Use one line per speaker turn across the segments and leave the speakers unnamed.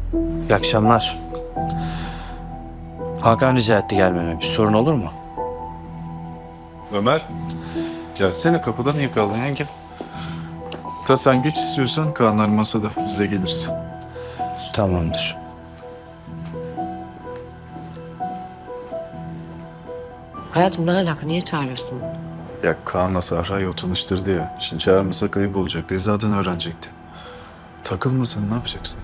İyi akşamlar. Hakan rica etti gelmeme. Bir sorun olur mu?
Ömer, gelsene kapıdan niye kaldın yenge? Ta sen geç istiyorsan Kaanlar masada, biz de geliriz.
Tamamdır.
Hayatım ne alaka? Niye çağırıyorsun?
Ya Kaan'la Sahra'yı o tanıştırdı ya. Şimdi çağırmasak ayıp olacak diye zaten öğrenecekti. Takılmasan ne yapacaksın?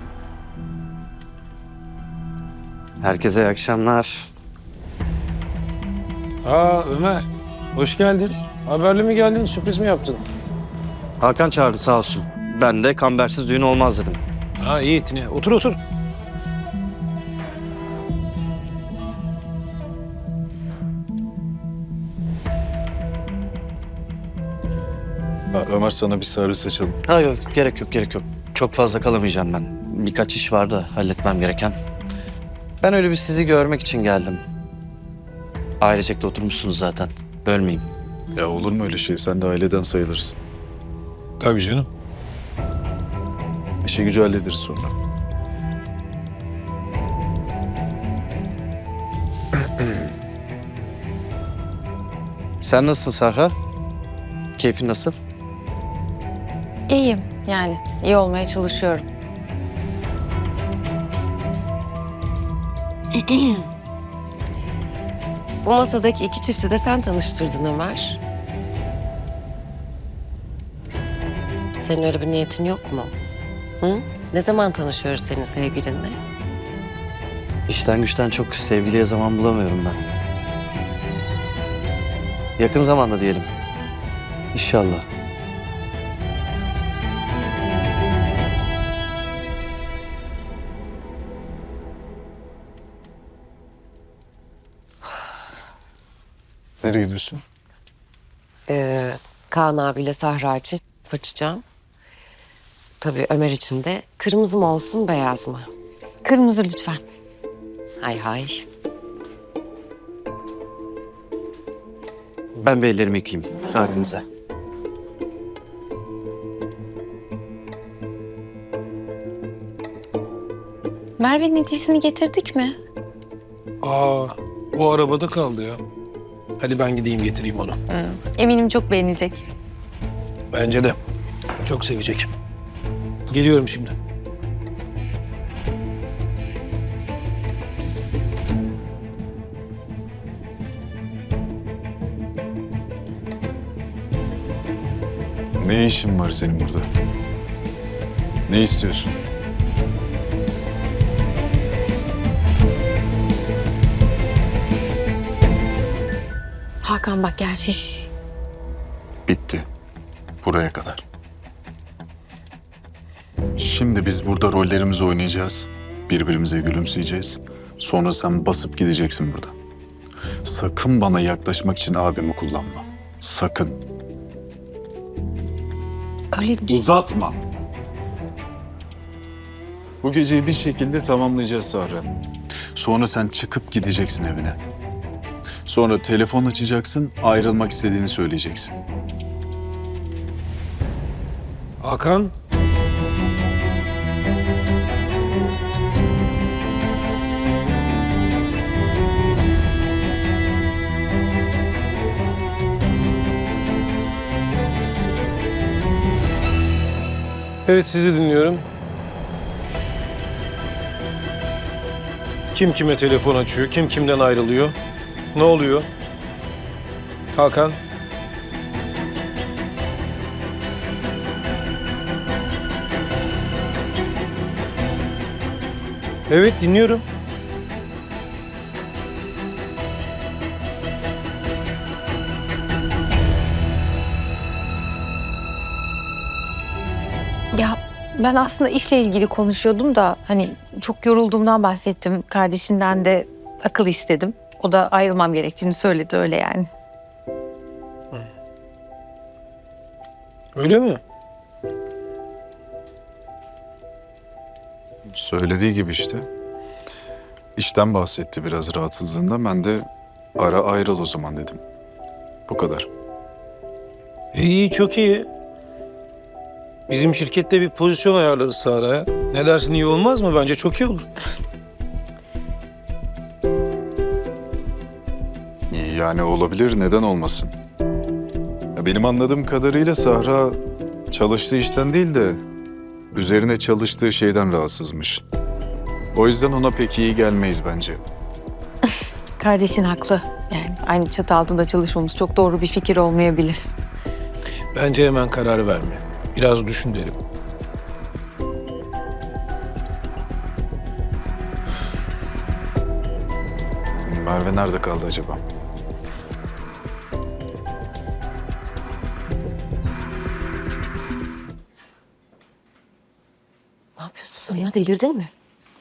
Herkese iyi akşamlar.
Aa Ömer, hoş geldin. Haberli mi geldin, sürpriz mi yaptın?
Hakan çağırdı sağ olsun. Ben de kambersiz düğün olmaz dedim.
Ha iyi etine. Otur otur.
Ha, Ömer sana bir servis açalım.
Ha yok gerek yok gerek yok. Çok fazla kalamayacağım ben. Birkaç iş vardı halletmem gereken. Ben öyle bir sizi görmek için geldim. Ailecek de oturmuşsunuz zaten. Bölmeyeyim.
Ya olur mu öyle şey? Sen de aileden sayılırsın.
Tabii canım.
İşi gücü hallederiz sonra.
Sen nasılsın Sahra? Keyfin nasıl?
İyiyim yani. İyi olmaya çalışıyorum.
Bu masadaki iki çifti de sen tanıştırdın Ömer. Senin öyle bir niyetin yok mu? Hı? Ne zaman tanışıyoruz senin sevgilinle?
İşten güçten çok sevgiliye zaman bulamıyorum ben. Yakın zamanda diyelim. İnşallah.
Nereye gidiyorsun?
Kaan abiyle Sahra için açacağım. Tabii Ömer için de kırmızı mı olsun beyaz mı?
Kırmızı lütfen.
Hay hay.
Ben bir ellerimi yıkayayım. Müsaadenizle.
Merve'nin hediyesini getirdik mi?
Aa, bu arabada kaldı ya. Hadi ben gideyim getireyim onu.
Eminim çok beğenecek.
Bence de. Çok sevecek. Geliyorum şimdi.
Ne işin var senin burada? Ne istiyorsun?
Hakan bak gerçek.
Bitti. Buraya kadar. Şimdi biz burada rollerimizi oynayacağız. Birbirimize gülümseyeceğiz. Sonra sen basıp gideceksin burada. Sakın bana yaklaşmak için abimi kullanma. Sakın.
Öyle
Uzatma. Bu geceyi bir şekilde tamamlayacağız Sahra. Sonra sen çıkıp gideceksin evine. Sonra telefon açacaksın, ayrılmak istediğini söyleyeceksin.
Hakan. Evet, sizi dinliyorum. Kim kime telefon açıyor, kim kimden ayrılıyor? Ne oluyor? Hakan. Evet, dinliyorum.
Ya ben aslında işle ilgili konuşuyordum da hani çok yorulduğumdan bahsettim. Kardeşinden de akıl istedim. O da ayrılmam gerektiğini söyledi öyle yani.
Öyle mi?
Söylediği gibi işte. İşten bahsetti biraz rahatsızlığında. Ben de ara ayrıl o zaman dedim. Bu kadar.
İyi, çok iyi. Bizim şirkette bir pozisyon ayarlarız Sahra'ya. Ne dersin, iyi olmaz mı? Bence çok iyi olur.
Yani olabilir, neden olmasın? Ya benim anladığım kadarıyla Sahra çalıştığı işten değil de üzerine çalıştığı şeyden rahatsızmış. O yüzden ona pek iyi gelmeyiz bence.
Kardeşin haklı. Yani aynı çatı altında çalışmamız çok doğru bir fikir olmayabilir.
Bence hemen karar verme. Biraz düşün derim.
Merve nerede kaldı acaba?
Ne yapıyorsun sen ya? Delirdin mi?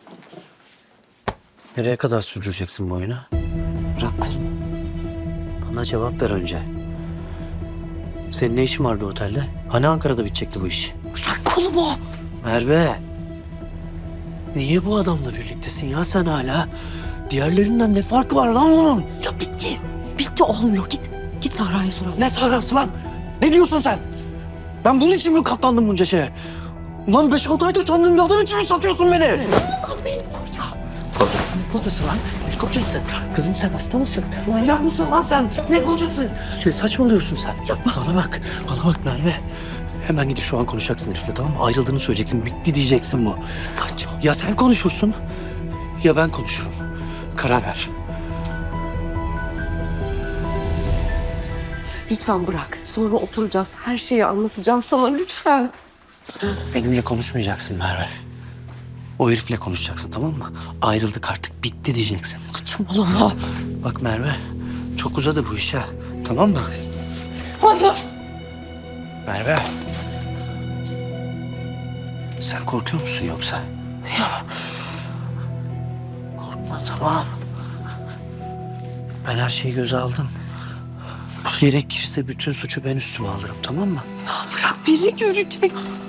Nereye kadar sürdüreceksin bu oyunu? Bırak kolumu. Bana cevap ver önce. Senin ne işin vardı otelde? Hani Ankara'da bitecekti bu iş?
Bırak kolumu.
Merve. Niye bu adamla birliktesin ya sen hala? Diğerlerinden ne farkı var lan bunun?
Ya bitti. Bitti olmuyor. Git Sahra'ya soralım.
Ne Sahra'sı lan? Ne diyorsun sen? Ben bunun için mi katlandım bunca şeye? Ulan 5-6 aydır tanıdığım bir adam için mi satıyorsun beni?
Benim koca.
Ne kocası lan? Ne kocası? Kızım sen hasta mısın? Manyak mısın lan sen? Ne kocası? Ne saçmalıyorsun sen? Bana bak Merve. Hemen gidip şu an konuşacaksın herifle, tamam mı? Ayrıldığını söyleyeceksin, bitti diyeceksin bu.
Saçma.
Ya sen konuşursun ya ben konuşurum. Karar ver.
Lütfen bırak. Sonra oturacağız. Her şeyi anlatacağım sana lütfen.
Benimle konuşmayacaksın Merve. O herifle konuşacaksın, tamam mı? Ayrıldık artık, bitti diyeceksin.
Saçmalama.
Bak Merve, çok uzadı bu iş ha. Tamam mı?
Hayır.
Merve. Sen korkuyor musun yoksa? Ya. Korkma, tamam. Ben her şeyi göze aldım. Gerekirse bütün suçu ben üstüme alırım, tamam mı?
Bırak biri görecek.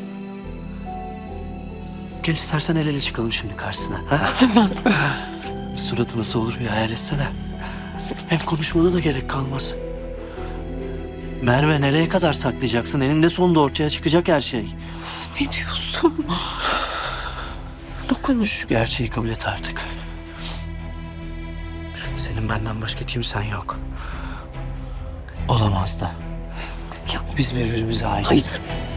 Gel istersen el ele çıkalım şimdi karşısına. Ha? Suratı nasıl olur bir hayal etsene. Hem konuşmana da gerek kalmaz. Merve, nereye kadar saklayacaksın? Eninde sonunda ortaya çıkacak her şey.
Ne diyorsun? Dokunmuş.
Şu gerçeği kabul et artık. Senin benden başka kimsen yok. Olamaz da.
Ya.
Biz birbirimize aitiz.
Hayır.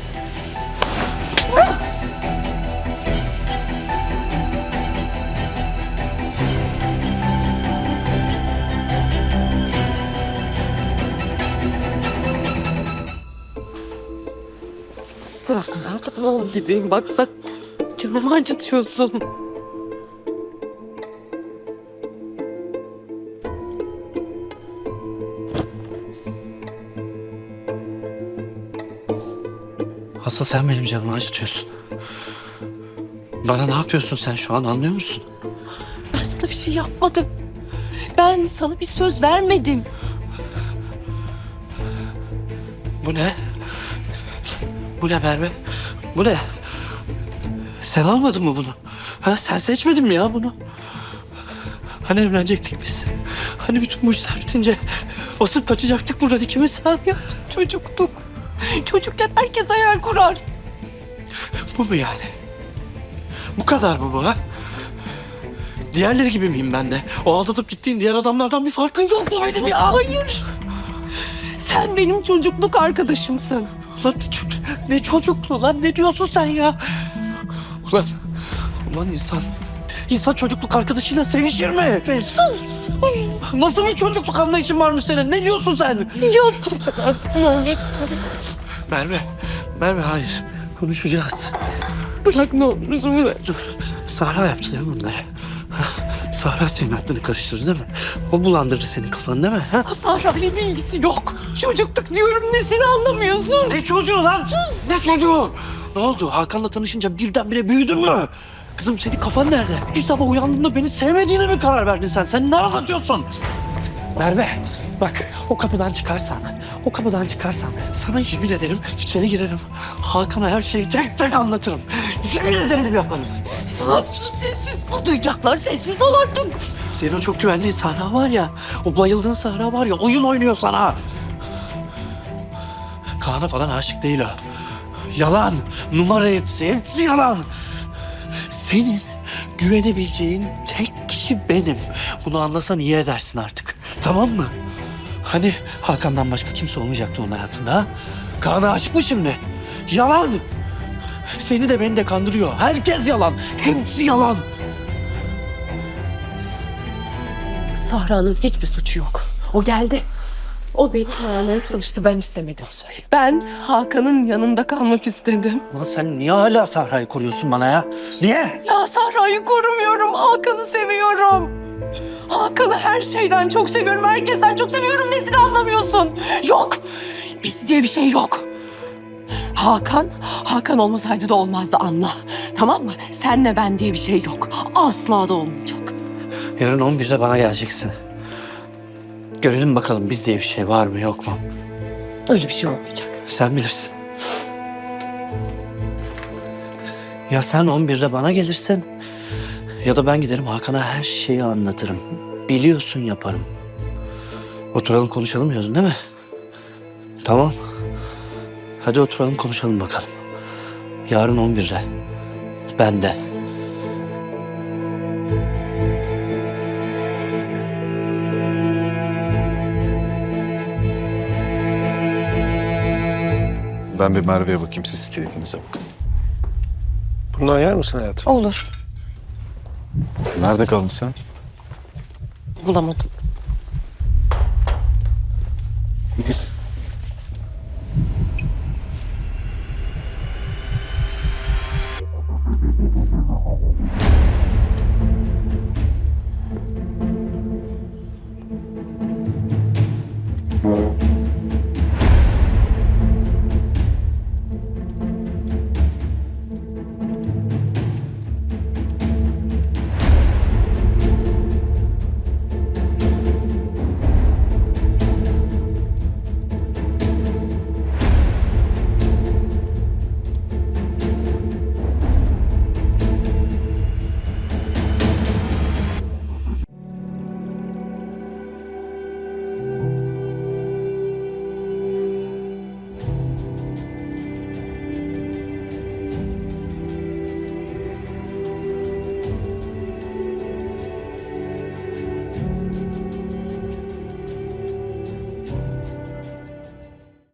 Bırak artık ne oldu dediğim. Bak canımı acıtıyorsun.
Asıl sen benim canımı acıtıyorsun. Bana ne yapıyorsun sen şu an, anlıyor musun?
Ben sana bir şey yapmadım. Ben sana bir söz vermedim.
Bu ne? Bu ne Merve? Bu ne? Sen almadın mı bunu? Ha, sen seçmedin mi ya bunu? Hani evlenecektik biz? Hani bütün bu işler bitince basıp kaçacaktık buradan ikimiz? Ha?
Ya çocuktuk. Çocukken herkes hayal kurar.
Bu mu yani? Bu kadar mı bu ha? Diğerleri gibi miyim ben de? O aldatıp gittiğin diğer adamlardan bir farkın yok mu benim ya?
Hayır. Sen benim çocukluk arkadaşımsın.
Ulan ne çocukluğu lan, ne diyorsun sen ya? Ulan insan çocukluk arkadaşıyla sevişir mi? Nasıl bir çocukluk anlayışın varmış senin? Ne diyorsun sen?
Yok.
Merve hayır. Konuşacağız.
Bırak ne olursun bırak.
Dur. Sahra yaptı değil mi bunları? Ha? Sahra senin aklını karıştırdı değil mi? O bulandırdı senin kafanı değil mi? Ha?
Sahra'yla bir ilgisi yok. Çocukluk diyorum, nesini anlamıyorsun?
Ne çocuğu lan? Ne çocuğu? Ne oldu? Hakan'la tanışınca birdenbire büyüdün mü? Kızım senin kafan nerede? Bir sabah uyandığında beni sevmediğine mi karar verdin sen? Sen ne anlatıyorsun? Merve bak o kapıdan çıkarsan sana yemin ederim içeri girerim. Hakan'a her şeyi tek tek anlatırım. Yemin ederim yaparım.
Sessiz duyacaklar, sessiz ol artık.
Senin o çok güvenliğin Sahra var ya, o bayıldığın Sahra var ya, oyun oynuyor sana. Kaan'a falan aşık değil o. Yalan, numara hepsi yalan. Senin güvenebileceğin tek kişi benim. Bunu anlasan iyi edersin artık. Tamam mı? Hani Hakan'dan başka kimse olmayacaktı onun hayatında ha? Kaan'a aşık mı şimdi? Yalan! Seni de beni de kandırıyor. Herkes yalan. Hepsi yalan.
Sahra'nın hiçbir suçu yok. O geldi. O beni aramaya çalıştı, ben istemedim. Ben Hakan'ın yanında kalmak istedim.
Ulan sen niye hala Sahra'yı koruyorsun bana ya? Niye?
Ya Sahra'yı korumuyorum, Hakan'ı seviyorum. Hakan'ı her şeyden çok seviyorum, herkesten çok seviyorum. Nesini anlamıyorsun? Yok, biz diye bir şey yok. Hakan olmasaydı da olmazdı, anla. Tamam mı? Senle ben diye bir şey yok. Asla da olmayacak.
Yarın 11'de bana geleceksin. Görelim bakalım biz diye bir şey var mı yok mu?
Öyle bir şey olmayacak.
Sen bilirsin. Ya sen 11'de bana gelirsin ya da ben giderim Hakan'a her şeyi anlatırım. Biliyorsun yaparım. Oturalım konuşalım diyordun değil mi? Tamam. Hadi oturalım konuşalım bakalım. Yarın 11'de. Ben de.
Ben bir Merve'ye bakayım, siz keyfinize bakın.
Bundan yer misin hayatım?
Olur.
Nerede kaldın sen?
Bulamadım.